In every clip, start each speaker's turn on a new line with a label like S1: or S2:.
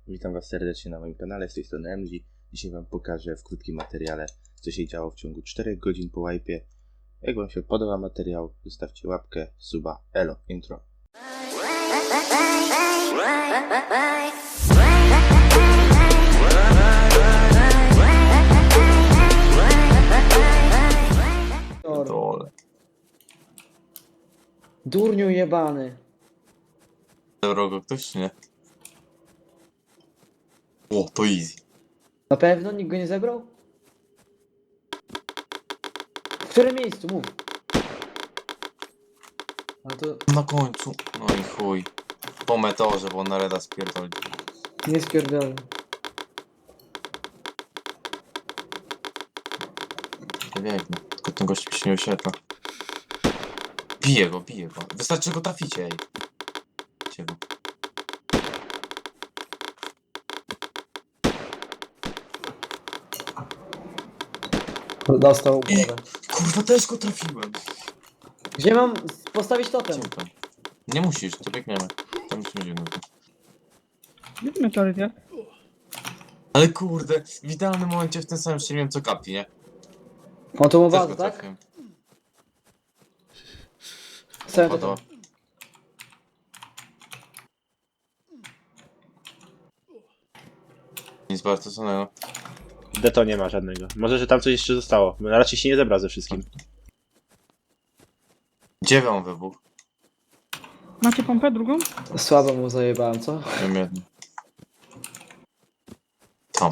S1: Witam Was serdecznie na moim kanale, z tej strony MG. Dzisiaj Wam pokażę w krótkim materiale, co się działo w ciągu 4 godzin po wipe'ie. Jak Wam się podoba materiał, zostawcie łapkę, suba, elo, intro.
S2: Dole.
S3: Durniu jebany.
S2: Zabrał go ktoś, czy nie? O, to easy.
S3: Na pewno nikt go nie zebrał? W którym miejscu? Mów. Ale to
S2: Na końcu. No i chuj. Po meteorze, bo on na reda spierdoli.
S3: nie spierdolę.
S2: To biegnę. Tylko ten gość mi się nie oświetla. Bije go, bije go. Wystarczy go traficie, ej. Bicie go.
S3: Dostał głowę.
S2: Kurwa, też go trafiłem.
S3: Gdzie mam postawić totem?
S2: Cicho. Nie musisz, to biegniemy. Tam musimy gdzie indziej.
S4: Gdzie meteoryt, nie?
S2: Ale kurde, w idealnym momencie w tym samym strzeliłem co kapi, nie?
S3: On to mu
S2: Też
S3: bazę,
S2: go
S3: tak?
S2: trafiłem.
S3: Stawiam
S2: Podoba.
S3: totem.
S2: Nic bardzo cennego.
S1: Deto nie ma żadnego. Może, że tam coś jeszcze zostało. Raczej się nie zebrał ze wszystkim.
S2: Gdzie wam wybuch?
S4: Macie pompę drugą?
S3: Słabo mu zajebałem, co?
S2: Wiem jedno. Tam.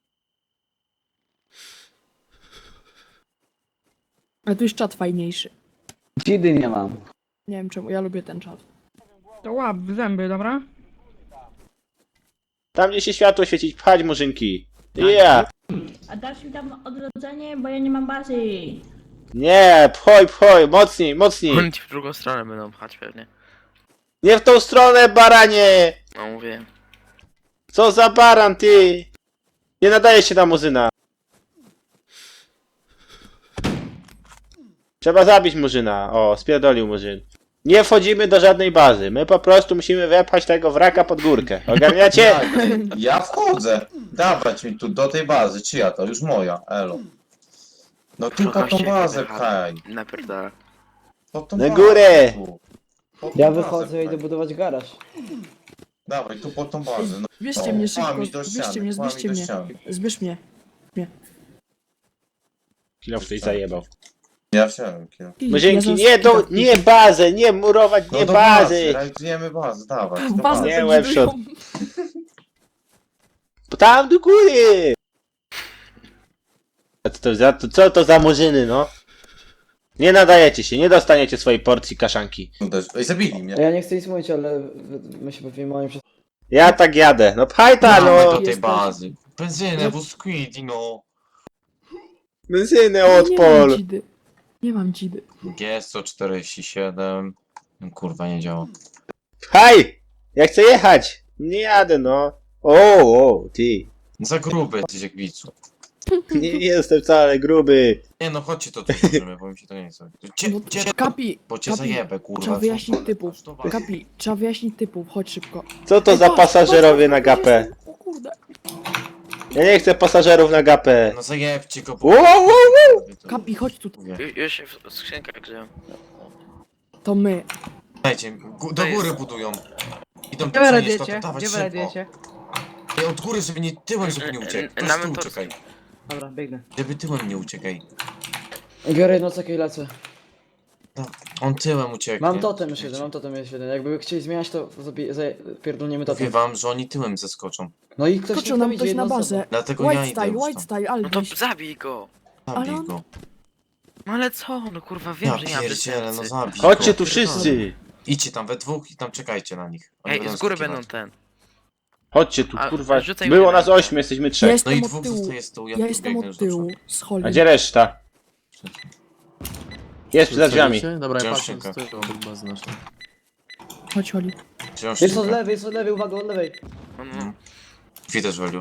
S5: Ale tu jest czat fajniejszy.
S3: Dzidy nie mam.
S5: Nie wiem czemu, ja lubię ten czat.
S4: To łap w zęby, dobra?
S1: Tam gdzie się światło świecić, pchać murzynki. Yeah!
S6: A dasz mi tam odrodzenie, bo ja nie mam bazy.
S1: Nie, pchoj, mocniej, mocniej.
S7: Oni ci w drugą stronę będą pchać pewnie.
S1: Nie w tą stronę, baranie!
S7: No mówię.
S1: Co za baran, ty! Nie nadaje się na murzyna. Trzeba zabić murzyna. O, spierdolił murzyn. Nie wchodzimy do żadnej bazy. My po prostu musimy wepchać tego wraka pod górkę. Ogarniacie?
S8: Ja wchodzę. Dawać mi tu do tej bazy. Czyja to? Już moja. Elo. No tu po tą bazę pchaj.
S7: Napierdala.
S8: Po tą
S1: Na
S8: bazę
S1: górę.
S8: tu. Po tą
S3: Ja
S8: bazę
S3: wychodzę i idę
S8: pchaj.
S3: budować garaż.
S8: Dawaj, tu po tą bazę. No,
S5: Zbierzcie mnie szybko,
S8: kłamić do
S5: zbierzcie
S8: ściany,
S5: mnie,
S8: kłamić
S5: zbierzcie
S8: do
S5: mnie.
S8: ściany.
S5: Zbierz mnie.
S1: Kilo ktoś zajebał.
S8: Ja wsiadłem, kilo.
S1: Murzinki,
S5: Ja
S1: nie
S5: zaraz-
S1: nie bazę, nie murować,
S8: No
S1: nie
S8: do
S1: bazy.
S8: realizujemy bazę, dawaj. Do
S5: Bazę
S8: bazy.
S1: Nie,
S5: to
S1: webshop.
S5: budują.
S1: Tam do góry. A co to za murzyny, no? Nie nadajecie się, nie dostaniecie swojej porcji kaszanki.
S8: Ej, zabili mnie.
S3: Ja nie chcę nic mówić, ale my się bawimy moim przez...
S1: Ja tak jadę. No pchaj ta,
S2: Dawaj
S1: no.
S2: do tej
S5: Jesteś-
S2: bazy. Benzynę, bo squid, no.
S1: Benzynę
S5: Nie mam
S1: odpol.
S5: dzidy. Nie mam dzidy.
S2: G147. No, kurwa, nie działa.
S1: Pchaj! Ja chcę jechać. Nie jadę, no. O, ty.
S2: Za gruby jesteś jak widzu.
S1: Nie jestem wcale gruby.
S2: Nie no, chodźcie to tu możemy, bo mi się to nie chce.
S5: No, Kapi,
S2: Bo cię
S5: Kapi,
S2: zajebę, kurwa.
S5: trzeba wyjaśnić typów.
S2: To bazy.
S5: Kapi, trzeba wyjaśnić typów, chodź szybko.
S1: Co to
S5: Ej,
S1: za
S5: patrz,
S1: pasażerowie na
S5: patrz,
S1: gapę?
S5: jestem- O kurde.
S1: Ja nie chcę pasażerów na gapę.
S2: No zajebcie go,
S1: Wow.
S5: Kapi, chodź tu.
S7: Już się w skrzynkach grzeją.
S5: To my.
S2: Dajcie, do góry budują. Idą
S4: Gdzie wy
S2: przenieść to,
S4: radiecie?
S2: dawać
S4: Gdzie wy
S2: szybko.
S4: radiecie?
S2: Ej, od góry, żeby nie tyłem, żeby nie uciekł.
S7: Na
S2: Ktoś tu
S7: mentorskim.
S2: uciekaj.
S4: Dobra, biegnę.
S2: Żeby tyłem nie uciekaj.
S3: Biorę jedno cekę i lecę.
S2: No, on tyłem ucieknie.
S3: Mam totem już jeden, Jakby chcieli zmieniać, to pierdolniemy
S2: Mówię
S3: totem.
S2: wam, że oni tyłem zeskoczą.
S3: No i ktoś
S5: Skoczył
S3: nie
S5: nam
S3: widzi,
S5: ktoś
S3: jedna
S5: na
S3: osoba.
S5: bazę.
S2: Dlatego ja
S5: White
S2: idę
S5: style,
S2: już
S5: white
S2: tam.
S5: style,
S7: No to
S5: Albiś.
S7: zabij go.
S2: Zabij
S5: Ale on-
S2: go.
S7: No ale co? No kurwa wiem,
S2: Ja
S7: że nie mam
S2: pierdzielę, no
S7: sercy.
S2: zabij
S1: Chodźcie
S2: go.
S1: tu wszyscy.
S2: Idźcie tam we dwóch i tam czekajcie na nich. Oni
S7: Ej, z góry
S2: skakiwać.
S7: będą ten.
S1: Chodźcie tu,
S7: A,
S1: kurwa.
S7: rzucaj
S1: Było
S7: mnie
S1: nas
S7: na-
S1: 8, jesteśmy
S5: Ja
S1: 3.
S2: No
S5: jestem
S2: i
S5: od
S2: dwóch
S5: tyłu.
S2: zostaje z tyłu,
S5: Ja
S2: tu
S5: jestem
S2: biegnę
S5: od
S2: już do
S5: tyłu.
S2: przodu.
S5: Z Holly.
S1: A gdzie reszta? Jest przed drzwiami.
S9: Dobra, ja
S2: Wziąłem
S9: patrzę
S2: szynkę.
S9: z tyłu obok bazy naszej.
S5: Chodź Holly.
S2: Wziąłem
S3: Jest od
S2: szybkę.
S3: lewej, uwaga, od lewej.
S7: No.
S2: Drzwi też walił.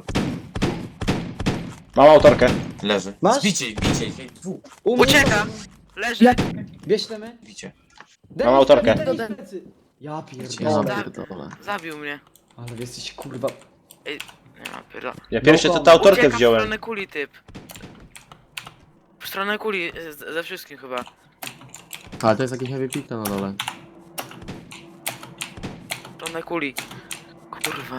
S1: Mam autorkę.
S2: Leży.
S3: Masz?
S2: Zbicie ich, hej, dwóch.
S3: U mnie
S7: Ucieka! Leży!
S5: Jak?
S3: Bierz temy.
S2: Bicie.
S1: Mam autorkę.
S3: Ja
S9: Ja
S3: pierdolę.
S9: pierdolę.
S7: Zabił mnie.
S3: Ale wy jesteś kurwa...
S7: Nie ma pyla.
S1: Ja pierwszy to
S3: kom.
S1: tę autorkę
S7: Ucieka w
S1: wziąłem.
S7: stronę kuli typ. W stronę kuli ze wszystkim chyba.
S9: Ale to jest jakiś heavy pit na dole.
S7: W stronę kuli. Kurwa.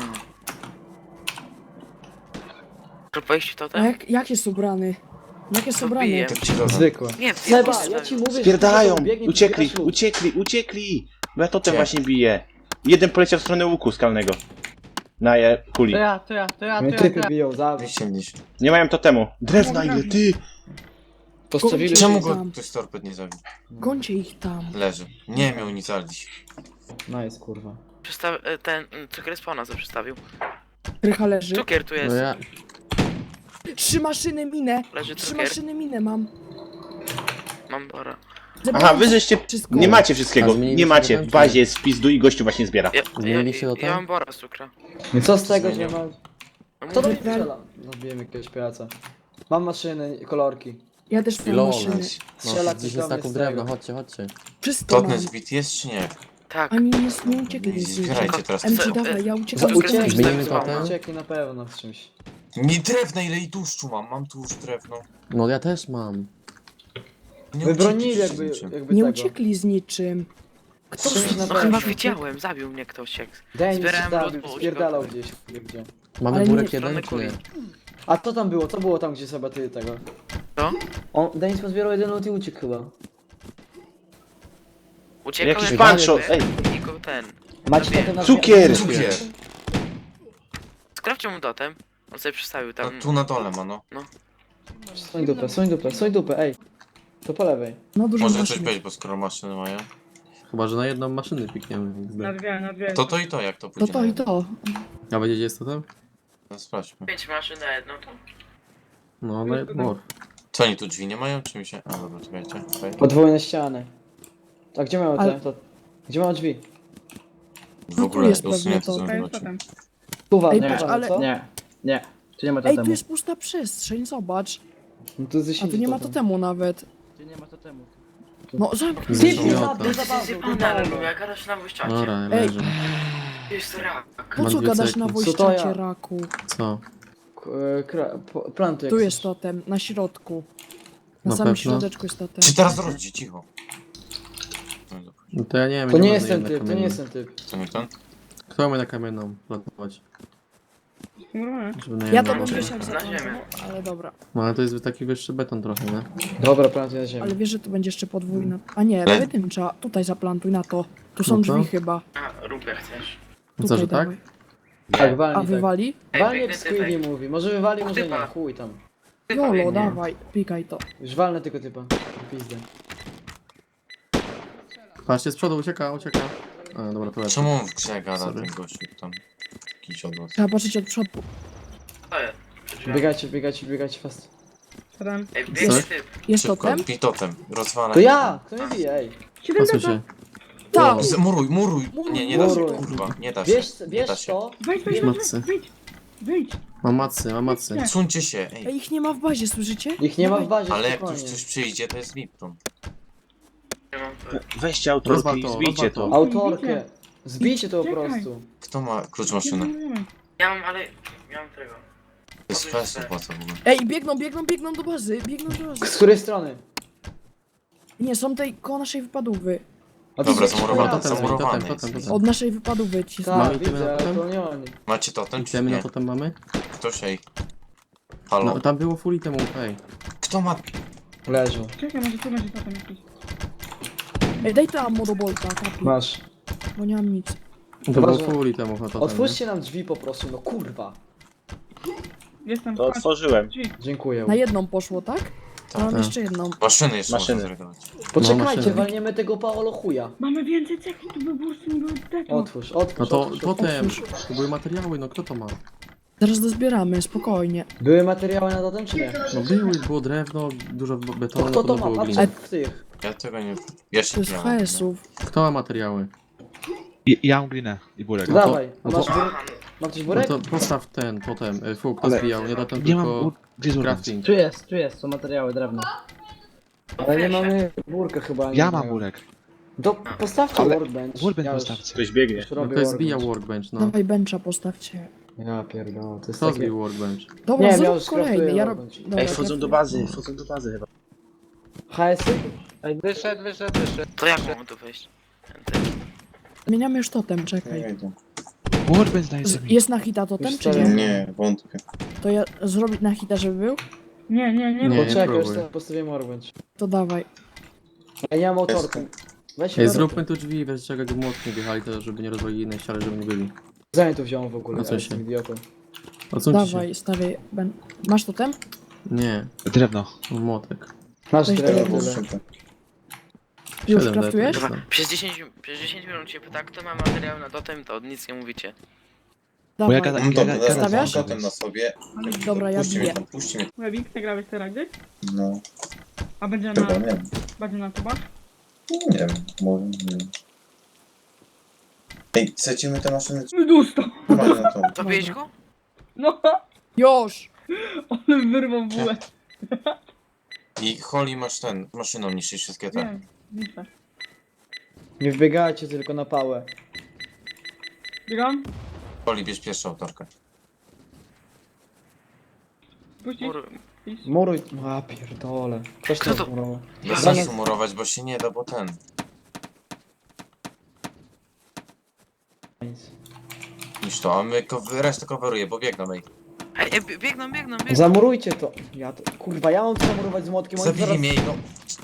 S7: To wejść to
S5: A
S7: ten?
S5: jak jest ubrany? Jak jest
S7: To
S5: ubrany?
S7: bije.
S2: Tak ci dodam.
S3: Zwykłe.
S7: Nie,
S3: Seba, ja ci mówię,
S1: Spierdalają!
S3: że biegnie
S1: Uciekli,
S3: Pikachu.
S1: uciekli! Bo ja totem
S2: Gdzie?
S1: właśnie biję. Jeden poleciał w stronę łuku skalnego. Na kuli.
S3: Mnie typy biją, za...
S2: Wyścielisz.
S1: Nie mają totemu. Drewna ile ty!
S3: Postawili
S2: Czemu
S3: się...
S2: go
S5: Tam.
S2: ktoś torped nie zabił?
S5: Gońcie ich tam.
S2: Leży. Nie miał nic alić.
S3: Nice, kurwa.
S7: Ten cukier spawna co przedstawił.
S5: Krycha leży.
S7: Cukier tu
S9: No
S7: jest.
S9: ja...
S5: 3 maszyny minę.
S7: Leży
S5: 3
S7: cukier.
S5: maszyny minę mam.
S7: Mam bora.
S1: Aha, wy żeście...
S5: Wszystko.
S1: Nie macie wszystkiego,
S9: A zmieniliście
S1: nie macie.
S9: totem,
S1: W
S9: czy nie?
S1: bazie jest w pizdu i gościu właśnie zbiera.
S9: Zmieniliście to tam?
S7: Ja mam bora z cukra.
S3: No co z tego, że
S2: Zmieniam.
S3: ma...
S7: No
S3: Kto do mnie
S7: mówię,
S3: strzela? Zabiłem jakiegoś pijaca. Mam maszyny, kolorki.
S5: Ja też mam
S9: Lol.
S5: maszyny.
S3: Strzela
S9: No,
S3: coś
S9: 10
S3: do mnie
S9: staków
S3: z
S9: drewna,
S3: tego.
S9: chodźcie.
S5: Wszystko mam.
S2: Totnet zbit jest czy nie?
S7: tak.
S5: Ani nie uciekli z
S2: Zbierajcie teraz.
S5: MC
S7: Co-
S5: dawaj, ja
S3: Za
S5: uciekam z
S3: uciekli,
S9: Zmienimy
S3: tak,
S9: totem?
S3: uciekli na pewno w czymś.
S2: Nie drewna, ile i tłuszczu mam. Mam tłuszcz, drewno.
S9: No ja też mam.
S2: Nie
S3: Wybronili
S2: uciekli
S3: jakby,
S2: niczym.
S3: jakby
S5: Nie
S3: tego.
S5: uciekli z niczym. Kto
S3: Czymś na
S7: No
S3: pewno.
S7: chyba widziałem, zabił mnie ktoś jak.
S3: Denis
S7: Zbierałem
S3: zabił,
S7: lód, bo
S3: spierdalał
S7: uciekał.
S3: gdzieś, gdzie.
S9: Mamy
S5: Ale
S9: burek
S5: nie-
S9: jeden czy nie?
S3: A co tam było? Co było tam, gdzie sobie ty tego?
S7: Co?
S3: Denis pozbierał jeden lot i uciekł chyba.
S7: Uciekał
S1: Jakiś
S7: jak
S1: pancho,
S7: biegł,
S1: ej.
S7: i go ten.
S3: Macie
S7: Zabiję.
S3: totem na
S1: Cukier!
S2: Cukier.
S7: Sprawdźcie mu totem. On sobie przystawił
S2: No,
S7: tam.
S2: tu na dole ma, no.
S3: Soń dupę, ej. To po lewej.
S5: No dużo
S2: Może coś
S5: maszyn.
S2: być, bo skoro maszyny mają.
S9: Chyba, że na jedną maszynę pikniemy.
S4: Na dwie.
S2: To i to, jak to
S5: To
S2: pójdzie.
S5: to i to.
S9: A wiecie gdzie jest to tam?
S2: No, sprawdźmy.
S7: 5 maszyn na jedną to.
S9: No, na jedną.
S2: Co oni tu drzwi nie mają, czy mi się... A dobra, czekajcie. Okay.
S3: Podwójne ściany. A gdzie mają
S5: Ale-
S3: te? To... Gdzie mają drzwi?
S2: W
S5: No tu
S2: ogóle
S5: jest pewnie
S2: usunięte
S5: to.
S2: są
S4: To jest
S2: zobaczy.
S4: totem.
S3: Tuwa,
S5: Ej,
S3: nie,
S5: patrz, ale-
S3: co?
S4: Nie. Tu nie ma
S5: Ej, tu jest pusta przestrzeń, zobacz.
S3: No to
S5: A tu nie ma totemu nawet.
S4: Tu nie ma totemu.
S5: No zamknij.
S9: Zresztą
S3: Typ mnie
S9: miota.
S3: zabił, zabawił,
S7: Zjebane, ale lubię, jak gadasz na wyjściacie.
S9: Dobra,
S5: Ej.
S9: leży.
S7: Jest rak.
S5: Po
S9: Mam
S5: co
S9: dwie
S5: gadasz
S9: ceki.
S5: na
S3: Co to
S5: wojszczacie,
S3: ja?
S5: raku?
S9: Co?
S3: Planty jak
S5: Tu
S3: chcesz.
S5: jest totem, na środku. Na
S9: Na
S5: samym
S9: pewno?
S5: środeczku jest totem.
S2: Czy teraz rodzi, cicho. No dobra.
S9: No to ja nie wiem.
S3: To nie
S9: mam
S3: jest ten
S9: na
S3: typ, to nie
S9: kamienną.
S3: jest ten typ.
S2: Co nie ten?
S9: Kto ma na kamienną planować?
S4: Normalnie.
S9: Żeby na
S5: Ja to
S9: jedną-
S5: bym wysiadł
S7: Na
S5: za
S7: ziemię.
S5: to, ale dobra.
S9: No ale to jest taki wyższy beton trochę, nie?
S3: Dobra, planty na ziemi.
S5: Ale wiesz, że to będzie jeszcze podwójna. A nie,
S2: Ale-
S5: pojedyncza. Tutaj zaplantuj na to. Tu są
S9: No to?
S5: drzwi chyba.
S7: A, rób jak chcesz.
S9: No co, że tak?
S5: dawaj.
S3: Tak,
S5: A
S3: walnij tak.
S5: wywali?
S3: Walnie
S7: biegnę
S3: jak Squiddy
S7: typek.
S3: mówi. Może wywali, może nie.
S7: Typa.
S3: Chuj tam.
S5: Jolo, dawaj, pikaj to.
S3: Już walnę tylko typa. Pizdę.
S9: Patrzcie, z przodu ucieka. A, dobra, to lecę.
S2: Czemu on w grze gada
S9: Sorry.
S2: ten gościu tam? Jakiś od was.
S5: Trzeba patrzeć od przodu.
S7: To jest. Przy drzwiach.
S3: Biegajcie fast.
S4: Totem.
S7: Ej, biegnie
S9: Coś?
S7: typ.
S5: Jest
S2: Szybko,
S5: totem?
S2: bij totem. Rozwalaj.
S3: To ja! Kto mnie bije, ej?
S9: Pasuj się.
S5: Tam!
S2: Muruj! Nie, nie da się,
S3: Muruj.
S2: kurwa, nie da się.
S3: Bierz,
S2: Nie
S3: bierz
S2: da się.
S3: to.
S4: Wejdź,
S9: Matcy.
S4: wyjdź.
S9: Mam macy.
S2: Suńcie się,
S5: Ej,
S2: ej.
S5: ich nie ma w bazie, słyszycie?
S3: Ich nie ma w
S5: Dawaj.
S3: bazie,
S2: Ale jak tu
S3: spokojnie.
S2: ktoś przyjdzie, to jest Lipton.
S7: Ja mam to.
S1: Weźcie autorkę
S9: Rozwal
S1: i
S9: to,
S1: zbijcie
S9: rozwal
S1: to.
S3: Autorkę. Zbijcie to po
S4: Czekaj.
S3: prostu.
S2: Kto ma klucz maszyny?
S7: Ja mam, ale... Ja mam tego.
S2: To jest fest opłaca w ogóle.
S5: Ej, biegną do bazy,
S3: Z której strony?
S5: Nie, są tej koło naszej wypadówy.
S3: A
S2: Dobra,
S3: są
S2: zamurowane,
S9: Totem,
S2: zamurowane
S9: totem.
S2: jest.
S5: Od naszej wypadówy ci
S3: Tak,
S9: Mamy
S3: widzę,
S9: tyle
S3: ale
S9: totem?
S3: to nie oni.
S2: Macie totem czy
S9: Chcemy na
S2: nie?
S9: to tam mamy?
S2: Ktoś, ej. Halo?
S9: No, tam było full temu, ej.
S2: Kto ma...
S3: Leżą.
S4: Czekaj, może tu będzie totem jakiś.
S5: Ej, daj to ammo do bolta, kapi,
S3: Masz.
S5: bo nie mam nic.
S9: To było
S3: Uważaj.
S9: full temu na to.
S3: Otwórzcie nam drzwi po prostu, no kurwa.
S4: Jestem.
S1: To otworzyłem.
S4: Drzwi.
S3: Dziękuję.
S5: Na jedną poszło, tak? A mam
S9: Tak.
S5: jeszcze jedną.
S2: Maszyny jeszcze
S1: Maszyny.
S2: można zredawać.
S3: Poczekajcie,
S9: maszyny.
S3: walniemy tego Paolo chuja.
S4: Mamy więcej ceki, tu by burszy nie było tego.
S3: Otwórz.
S9: No to
S3: otwórz.
S9: totem. To były materiały, no kto to ma?
S5: Zaraz dozbieramy, spokojnie.
S3: Były materiały na totem, czy nie?
S9: No było drewno, dużo
S3: To
S9: betonu,
S3: kto to
S9: no
S3: ma?
S9: było
S3: Patrzcie
S9: gliny.
S3: w tych.
S2: Ja tego nie... Jeszcze
S5: To jest
S2: nie mam.
S5: HS-ów.
S9: Kto ma materiały?
S10: Ja mam glinę i burek.
S9: No to-
S3: Dawaj, a
S9: no
S3: masz
S9: to-
S3: burek? Mam coś
S9: No
S3: burek?
S9: to postaw ten totem. Fuk, to
S10: Ale-
S9: zbijał, nie totem,
S10: Nie mam
S9: tylko
S10: gdzie jest burek?
S9: crafting.
S4: Tu jest, są materiały drewno.
S3: Ale nie mamy burka chyba.
S10: Ja
S3: nie
S10: mam
S3: wiem.
S10: burek.
S3: To postawcie
S10: Ale-
S3: workbench.
S10: Workbench
S3: Ja już-
S10: postawcie.
S1: Ktoś biegnie.
S3: już
S9: No
S3: robię
S9: to jest
S3: workbench.
S9: zbijał workbench, no.
S5: Dawaj bencha postawcie.
S3: Ja pierdolę, to jest
S9: Kto
S3: takie...
S9: zbił workbench?
S5: Dobra,
S3: Nie, miał
S5: zrób
S3: skraftuję
S5: kolejny. Ja
S3: workbench.
S5: Dobra,
S1: Ej, wchodzą do bazy chyba.
S3: HS-y?
S11: Ej, wyszedł.
S7: To jak mam tu wejść?
S5: Zmieniamy już totem,
S8: Nie
S5: czekaj.
S8: wiem.
S10: Workbench daj sobie.
S5: Jest na hita totem,
S3: Już
S5: czy
S3: to
S5: nie?
S3: jest.
S8: Nie, wątpię.
S5: To ja zrobić na hita, żeby był?
S4: Nie,
S9: Nie,
S3: Poczekaj, już
S9: próbuj.
S3: sobie postawię workbench.
S5: To dawaj.
S3: Ja nie mam autorka. Weź
S9: Ej,
S3: workbench.
S9: zróbmy tu drzwi, bez czego jak młotki wjechali, to żeby nie rozwalili innej ściany, żeby nie byli.
S3: Zanim to wziąłem w ogóle,
S9: No co
S3: ja jestem
S9: się?
S3: idiotą.
S9: Odsuńcie się.
S5: Dawaj, stawiaj. Masz totem?
S9: Nie,
S10: Drewno.
S9: młotek.
S3: Masz
S5: Weź
S3: drewno
S5: to
S3: tyle.
S5: Już
S9: 7
S5: kraftujesz?
S9: lat,
S7: Dobra, przez 10 minut się pyta, kto ma materiał na totem, to nic nie mówicie.
S10: Bo ja
S5: Dawaj.
S10: gada-
S8: Mam to,
S10: ja-
S5: stawiasz?
S8: totem na sobie.
S5: Dobra, ja
S8: Puśćcie mnie
S5: biję.
S8: tam, puśćcie mnie.
S4: Webik, nagrałeś te rajdy?
S8: No,
S4: A będzie
S8: chyba,
S4: na...
S8: nie wiem.
S4: Będzie na tubach?
S8: Nie wiem, może, nie wiem. Ej, secimy te maszyny,
S4: Dusto!
S8: trzymaj na to.
S7: Zabiłeś go?
S4: No,
S5: Już!
S4: on wyrwał bułę.
S2: I Holly masz maszyną niszczyć wszystkie te.
S4: Nie, niszczę.
S3: Nie wbiegajcie tylko na pałę.
S4: Biegam?
S2: Holly, bierz pierwszą autorkę.
S4: Puścić?
S7: Mur...
S4: Iść?
S3: Muruj... A pierdolę. Ktoś
S7: Kto
S3: to
S7: to?
S3: murował.
S2: Bez
S3: Dobra,
S2: sensu murować, bo się nie da, bo
S3: Nic.
S2: niż to, a my resztę coveruje, bo biegną, ej.
S7: Ej, biegną.
S3: Zamurujcie to. Ja to... Kurwa, ja mam to zamurować z młotkiem, oni
S2: Zabili
S3: zaraz...
S2: mnie, no.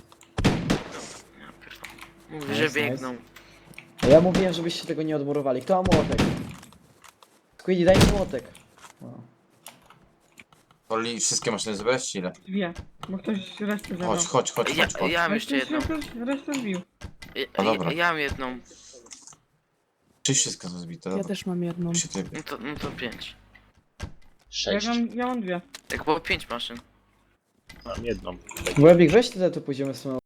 S7: Mówię, że
S3: Nice,
S7: biegną.
S3: A ja mówiłem, żebyście tego nie odmurowali. Kto ma młotek? Squiddy, daj mi młotek. O.
S2: Holly, wszystkie maszyny zebrać, czy ile?
S4: Dwie. Bo ktoś resztę zabrał.
S2: Chodź.
S7: Ja mam jeszcze jedną.
S4: Ktoś resztę zbił.
S2: No dobra.
S7: Ja mam jedną.
S2: Czy wszystko są zbite,
S5: Ja
S2: dobra.
S5: też mam jedną.
S2: Się ty...
S7: No to 5.
S1: 6.
S4: Ja mam dwie.
S7: Jak było 5 maszyn.
S1: Mam jedną.
S3: Webik, weź tyle, to pójdziemy z tą